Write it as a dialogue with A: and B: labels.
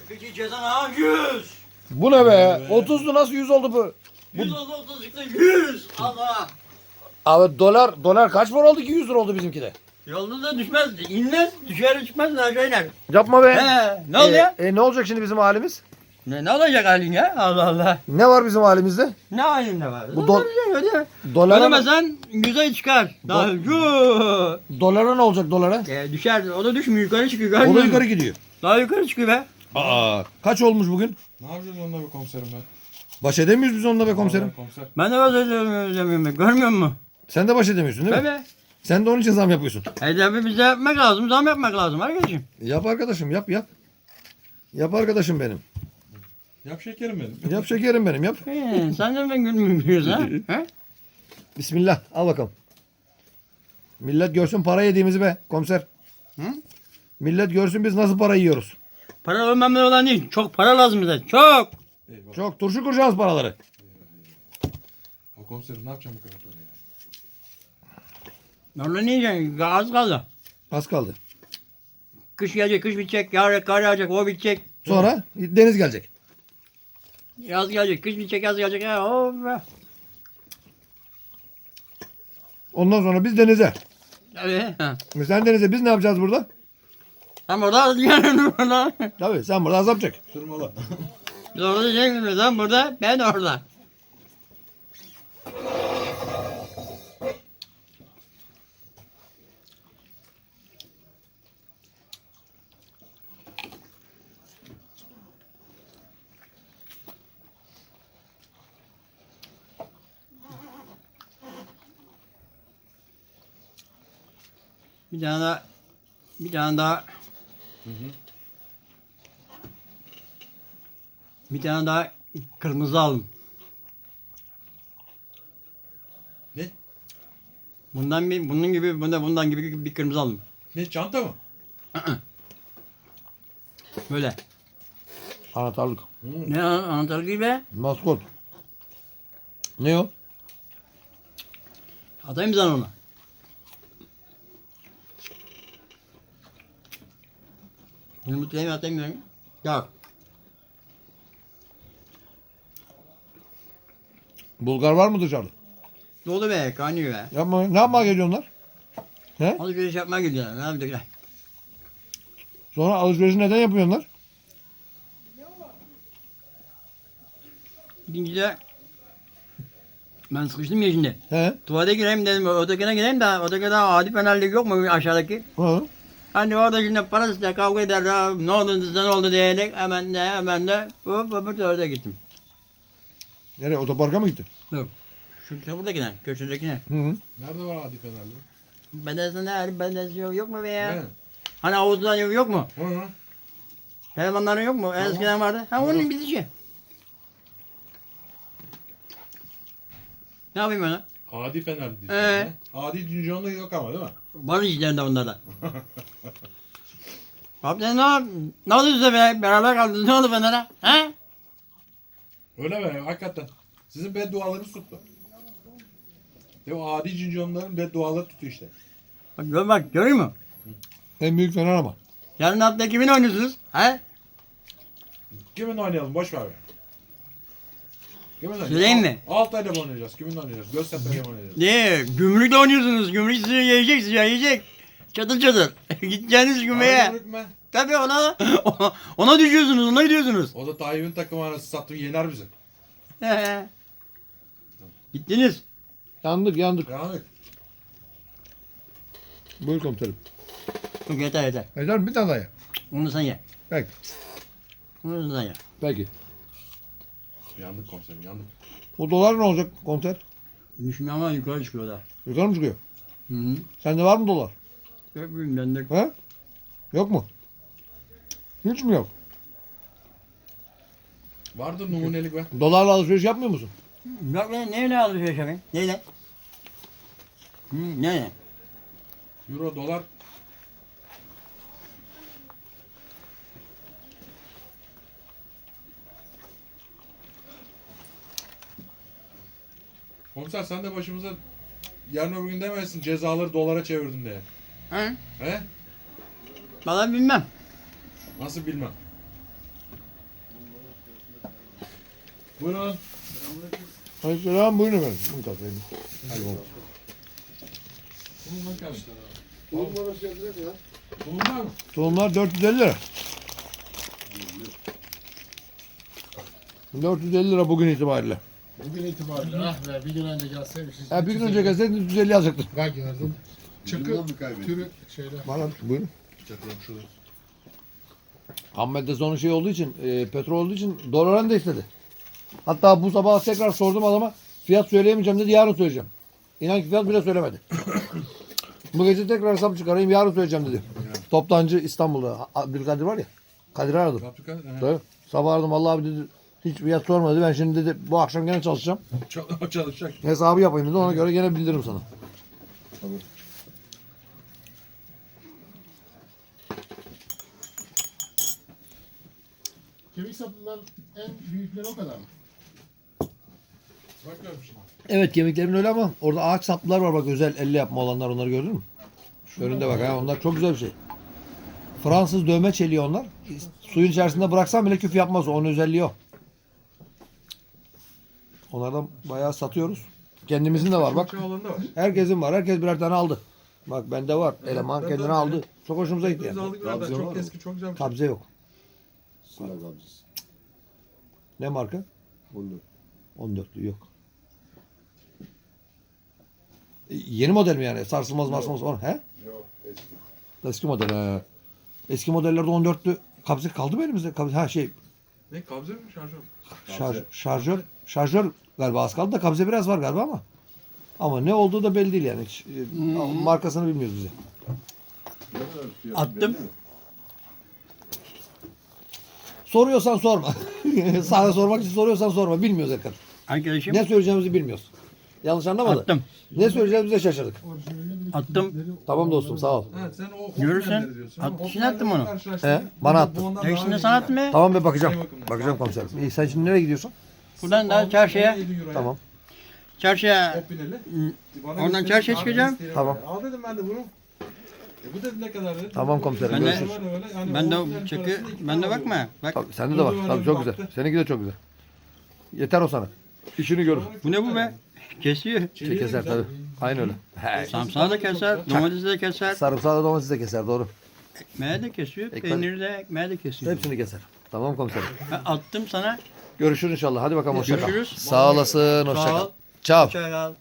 A: Peki cezan ha 100.
B: Bu ne be? 30'du nasıl 100 oldu bu?
A: 100 oldu 30 çıktı 100. Allah.
B: Abi dolar kaç para oldu ki 100 lira oldu bizimki de.
A: Yolda da düşmez, inmez, düşer çıkmaz aşağı iner.
B: Yapma be.
A: He, ne oluyor?
B: Ne olacak şimdi bizim halimiz?
A: Ne olacak halin ya? Allah Allah.
B: Ne var bizim halimizde?
A: Ne halinde var?
B: Bu
A: Dolara
B: dolara,
A: ödemesen 100'e çıkar. Daha
B: dolara ne olacak dolara?
A: düşer. O da düşmüyor. Yukarı çıkıyor.
B: O da
A: görmüyor
B: yukarı
A: musun?
B: gidiyor.
A: Daha yukarı çıkıyor be.
B: Aa, kaç olmuş bugün?
C: Ne yapacağız onunla be komiserim be?
B: Baş edemiyoruz biz onunla be komiserim.
C: Vallahi komiser.
A: Ben de ödemiyorum. Görmüyor musun?
B: Sen de baş edemiyorsun değil mi?
A: Tabii.
B: Sen de onun için zam yapıyorsun.
A: Tabii bize yapmak lazım. Zam yapmak lazım arkadaşım.
B: Yap arkadaşım yap. Yap arkadaşım benim.
C: Yap şekerim benim.
B: Yap şekerim benim yap.
A: Sen de ben gülmüyoruz ha? He?
B: Bismillah al bakalım. Millet görsün para yediğimizi be komiser.
A: Hı?
B: Millet görsün biz nasıl para yiyoruz.
A: Para önemli olan değil. Çok para lazım bize. Çok.
C: Eyvallah.
B: Çok turşu kuracağız paraları.
C: Ha komiserim ne yapacağım bu kadar parayı?
A: Orada ne yiyeceksin? Az kaldı.
B: Az kaldı.
A: Kış gelecek, kış bitecek. Kar yağacak, o bitecek.
B: Sonra deniz gelecek.
A: Yaz gelecek, kış bitecek, yaz gelecek. Ya, oh be.
B: Ondan sonra biz denize.
A: Tabii. Ha.
B: Sen denize biz ne yapacağız burada?
A: Sen orada dünyanın orada.
B: Tabii sen burada azap çek.
C: Sırmalı.
A: Biz orada diyeceksiniz. Sen burada, ben orada. Bir tane daha bir tane daha kırmızı aldım.
C: Ne?
A: Bunun gibi bundan gibi bir kırmızı aldım.
C: Ne çanta mı?
A: Böyle.
B: Anahtarlık.
A: Ne anahtar gibi?
B: Maskot. Ne o?
A: Atayım sana onu. Yumurtayı atayım ben. Yok.
B: Bulgar var mı dışarıda?
A: Dolu be, kaynıyor be.
B: Yapma, ne yapmaya geliyor onlar? He?
A: Alışveriş yapmaya gidiyorlar. Ne yapacaklar?
B: Sonra alışverişi neden yapıyorlar?
A: İkinci de ben sıkıştım ya şimdi.
B: He?
A: Tuvalete gireyim dedim. Ötekine gireyim de ötekine adi fenerlik yok mu aşağıdaki?
B: Hı.
A: Hani orada şimdi parasıyla kavga ederler. Ne oldu size ne oldu diyerek hemen de hop öbür tarafa gittim.
B: Nereye? Otoparka mı gittin?
A: Yok. Şu buradakine, köşedekine.
B: Hı hı.
C: Nerede var adi fenerli?
A: Bedensinde yok mu be ya?
C: He.
A: Hani havuzdan yok mu?
C: Hı hı.
A: Telefonların yok mu? Eskiden vardı. Ha onun bitişi. Ne yapayım ben?
C: Adi fenerli diyorsun.
A: Ee?
C: Adi dünyanlı yok ama değil mi?
A: Var içlerinde onlarda. Abi sen ne oldu size be? Beraber kaldınız. Ne oldu Fener'e? He?
C: Öyle mi? Hakikaten. Sizin beddualarınız tuttu. Ya o adi cinconların bedduaları tutuyor işte.
A: Bak görüyor musun?
B: En büyük fener ama.
A: Yarın hafta kimin oynuyorsunuz? He?
C: Kiminle oynayalım? Boş ver be. Kiminle oynayalım?
A: Söyleyeyim mi?
C: Altay'la mı oynayacağız? Kiminle oynayacağız? Göztepe'yle mi oynayacağız?
A: Ne? Gümrükle oynuyorsunuz. Gümrük sizi yiyecek. Çatır çatır. Gideceğiniz gümrüğe.
C: Gümrük mü?
A: Tabii ona düşüyorsunuz. Ona gidiyorsunuz.
C: O da Tayyip'in takımı arası sattı yener bizi.
A: He. Gittiniz.
B: Yandık.
C: Yani
B: Buyur komiserim.
A: Yok yeter.
B: Yeter mi? Bir tane daha ye.
A: Onu sen ye.
B: Peki.
A: Onu sen ye.
B: Peki.
C: yandık komiserim yandık.
B: O dolar ne olacak komiser?
A: Düşmüyor ama yukarı çıkıyor da.
B: Yukarı mı çıkıyor?
A: Hı hı.
B: Sende var mı dolar?
A: Yok bilmiyorum ben de.
B: He? Yok mu? Hiç mi yok?
C: Vardır numunelik be.
B: Dolarla alışveriş yapmıyor musun?
A: Yok lan neyle alışveriş yapayım? Neyle? Ne?
C: Euro, dolar. Komiser sen de başımıza yarın öbür gün demezsin cezaları dolara çevirdim diye.
A: He?
C: He?
A: Vallahi bilmem.
C: Nasıl bilmem. Buyurun.
B: Aleykümselam, buyurun efendim. Bunu katlayın. Hadi bakalım.
C: Bulunmak gelmiş.
D: Bulunma nasıl yapacak ya?
C: Bulunlar mı?
B: Tohumlar 450 lira. 450 lira bugün itibariyle.
D: Bugün itibariyle ah be bir gün önce gelseymiş.
B: Ha, bir gün önce gelseydin 350 alacaktın.
D: Bak gördün. Çıkı
E: Bundan mı kaybettin?
D: türü şeyler.
B: Bana buyurun.
C: Çatıyorum şurada.
B: Ham madde sonu şey olduğu için, petrol olduğu için doların da istedi. Hatta bu sabah tekrar sordum adama. Fiyat söyleyemeyeceğim dedi, yarın söyleyeceğim. İnan ki fiyat bile söylemedi. Bu gece tekrar hesap çıkarayım, yarın söyleyeceğim dedi. Toptancı İstanbul'da. Abdülkadir var ya. Kadir'i aradım.
C: Fabrika.
B: Tabii. Sabah aradım, vallahi abi dedi. Hiç fiyat sormadı. Ben şimdi dedi bu akşam gene çalışacağım.
C: Çalışacak.
B: Hesabı yapayım dedi. Ona göre gene bildiririm sana.
D: Kemik saplılar en büyükleri o kadar mı?
C: Bakıyorum şimdi.
B: Evet, kemiklerin öyle ama orada ağaç saplılar var bak, özel elle yapma olanlar, onları gördün mü? Önünde bak ha, onlar çok güzel bir şey. Fransız dövme çeliği onlar. Suyun içerisinde bıraksan bile küf yapmaz. Onun özelliği o. Onlardan bayağı satıyoruz. Kendimizin de var bak.
C: Çok alanda var.
B: Herkesin var. Herkes birer tane aldı. Bak bende var. Eleman
C: ben
B: kendine
C: de
B: aldı.
C: öyle.
B: Çok hoşumuza gitti
C: Biz
B: yani.
C: aldık orada.
E: Kabze var
C: Çok
E: mı?
C: eski, çok güzel bir şey.
B: Kabze yok.
E: Sıra kabzası.
B: Ne marka?
E: 14.
B: 14'lü yok. Yeni model mi yani? Sarsılmaz marsılmaz. He?
E: Yok eski.
B: Eski model. He. Eski modellerde 14'lü kabze kaldı mı elimizde? Ha şey,
C: Ne kabze mi şarjör mü?
B: şarjör galiba az kaldı da kabze biraz var galiba ama. Ama ne olduğu da belli değil yani. Hiç, markasını bilmiyoruz bize.
E: Ne kadar fiyatı
A: Attım.
E: belli mi?
B: Soruyorsan sorma. Sana sormak için soruyorsan sorma. Bilmiyoruz Erkan.
A: Arkadaşım
B: Ne söyleyeceğimizi bilmiyoruz. Yanlış anlamadı.
A: attım.
B: Ne söyleyeceğimizi de şaşırdık.
D: Orijinalinde bir de
A: Attım.
D: kimlikleri
B: Tamam dostum, sağ ol.
C: Evet sen o
A: Görürsen,
C: Hoffman'leri diyorsun. Ama
A: kişine
C: Hoffman'leri
A: attım onu.
C: karşılaştırdık.
B: He, bana
C: Bu
B: attın.
C: ondan daha
A: Değişinde
C: iyi
A: sanat
C: yani.
A: mı?
B: Tamam be, bakacağım.
C: Şey bakımından.
B: Bakacağım komiserim. İyi, sen şimdi nereye gidiyorsun?
A: Buradan daha çarşıya.
C: 17 euroya.
B: Tamam.
A: Çarşıya
C: Hoppineli. Bana
A: Oradan
C: gösterdi,
A: çarşıya
C: abi
A: çıkacağım.
C: isteyelim
B: Tamam.
C: böyle. Al dedim ben de bunu. Bu dedi ne kadar dedi.
B: Tamam komiserim,
A: Ben de-
B: görüşürüz.
A: ben de o çakı, ben de bakma. Bak
B: Tabii, sende de var. Tabii, çok güzel. Seninki de çok güzel. Yeter o sana. İşini görür.
A: bu ne bu be? Kesiyor.
B: Şey keser tabii. Aynı öyle. He.
A: Samsağı da keser, domatesi de keser,
B: Sarımsağı da domatesi de keser, doğru.
A: ekmeği de kesiyor,
B: Ekmek-
A: peyniri de ekmeği de kesiyor.
B: Hepsini keser. Tamam komiserim.
A: Ben attım sana.
B: Görüşürüz inşallah. Hadi bakalım, hoşça kal.
A: Görüşürüz.
B: Sağ olasın, hoşça
A: Sağ
B: kal.
A: ol.
B: Ciao.
A: Hoşça kal.